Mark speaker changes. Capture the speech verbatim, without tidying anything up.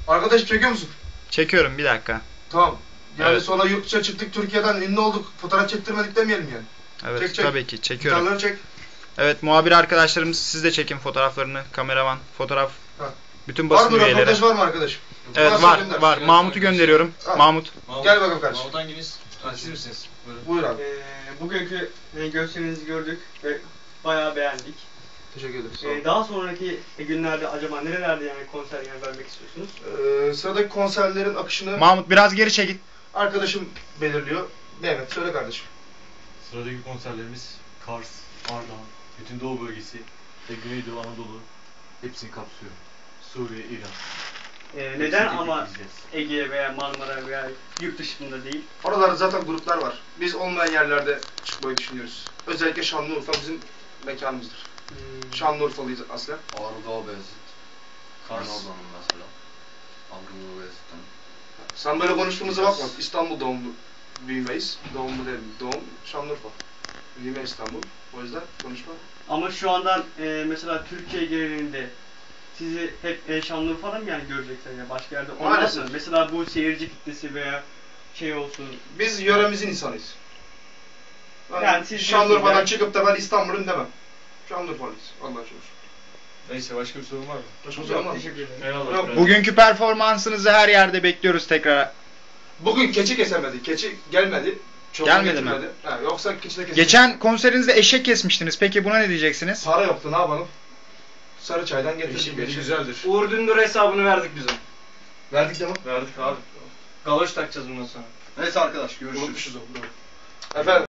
Speaker 1: Arkadaş çekiyor musun?
Speaker 2: Çekiyorum, bir dakika.
Speaker 1: Tamam. Yani
Speaker 2: Evet.
Speaker 1: sonra yurt dışına çıktık, Türkiye'den ünlü olduk. Fotoğraf çektirmedik demeyelim yani.
Speaker 2: Evet,
Speaker 1: çek, çek.
Speaker 2: tabii ki çekiyorum.
Speaker 1: Gitarları çek.
Speaker 2: Evet, muhabir arkadaşlarımız, siz de çekin fotoğraflarını. Kameraman, fotoğraf.
Speaker 1: Ha.
Speaker 2: Bütün
Speaker 1: Var
Speaker 2: basın
Speaker 1: mı
Speaker 2: üyeleri.
Speaker 1: röportaj var mı arkadaş?
Speaker 2: Evet,
Speaker 1: Varsa
Speaker 2: var
Speaker 1: gönder.
Speaker 2: var. Mahmut'u gönderiyorum.
Speaker 1: Ha.
Speaker 2: Mahmut.
Speaker 3: Mahmut,
Speaker 1: Gel bakalım kardeşim.
Speaker 3: Mahmut hanginiz? Ha, siz misiniz? Buyurun.
Speaker 1: Buyur abi.
Speaker 4: Ee, bugünkü e, gösterinizi gördük ve bayağı beğendik.
Speaker 1: Teşekkür ederim. Sağ olun.
Speaker 4: Ee, daha sonraki günlerde acaba nerelerde yani konser yer vermek istiyorsunuz?
Speaker 1: Ee, sıradaki konserlerin akışını
Speaker 2: Mahmut biraz geri çekil.
Speaker 1: arkadaşım belirliyor. Mehmet söyle kardeşim.
Speaker 3: Sıradaki konserlerimiz Kars, Ardahan, bütün Doğu bölgesi ve Güneydoğu Anadolu hepsini kapsıyor. Suriye, İran.
Speaker 4: Ee, neden
Speaker 3: Hepsini
Speaker 4: ama
Speaker 3: izleyeceğiz.
Speaker 4: Ege veya Marmara veya yurt dışında değil?
Speaker 1: Oralarda zaten gruplar var. Biz olmayan yerlerde çıkmayı düşünüyoruz. Özellikle Şanlıurfa bizim mekanımızdır.
Speaker 4: Hmm.
Speaker 1: Şanlıurfalıyız aslen.
Speaker 5: Ağrı Dağı Beyazıt.
Speaker 3: Kars.
Speaker 5: Karnal'danım mesela. Ağrı Beyazıt'tan.
Speaker 1: Sen böyle konuştuğumuza bakma. İstanbul doğumlu büyümeyiz. Doğumlu değil, doğum Şanlıurfa. Büyüme İstanbul. O yüzden konuşma.
Speaker 4: Ama şu andan e, mesela Türkiye genelinde sizi hep e, Şanlıurfa'da mı yani görecekler ya başka yerde olmaz
Speaker 1: Maalesef.
Speaker 4: mı? Mesela bu seyirci kitlesi veya şey olsun.
Speaker 1: Biz yöremizin insanıyız. Ben
Speaker 4: Yani siz
Speaker 1: Şanlıurfa'dan
Speaker 4: diyorsunuz yani-
Speaker 1: çıkıp da ben İstanbul'um demem. Şanlıurfalıyız. Allah'a şükür.
Speaker 3: Neyse, başka bir sorun var mı?
Speaker 1: Başka bir
Speaker 4: Yok,
Speaker 1: sorun var mı?
Speaker 4: teşekkür ederim.
Speaker 3: Eyvallah.
Speaker 1: Yok,
Speaker 2: Bugünkü performansınızı her yerde bekliyoruz tekrar.
Speaker 1: Bugün keçi kesemedi. Keçi gelmedi. Çoban
Speaker 2: Gelmedi mi?
Speaker 1: getirmedi. Ha, yoksa keçi de kesemedi.
Speaker 2: Geçen konserinizde eşek kesmiştiniz. Peki buna ne diyeceksiniz?
Speaker 1: Para yoktu, ne yapalım? Sarı çaydan getirdik.
Speaker 3: Eşim
Speaker 1: bir şey.
Speaker 3: güzeldir.
Speaker 6: Uğur Dündar hesabını verdik bize.
Speaker 1: Verdik de mi?
Speaker 6: Verdik abi. Galoş takacağız bundan sonra.
Speaker 5: Neyse arkadaş görüşürüz.
Speaker 1: Unutmuşuz onu. Efendim.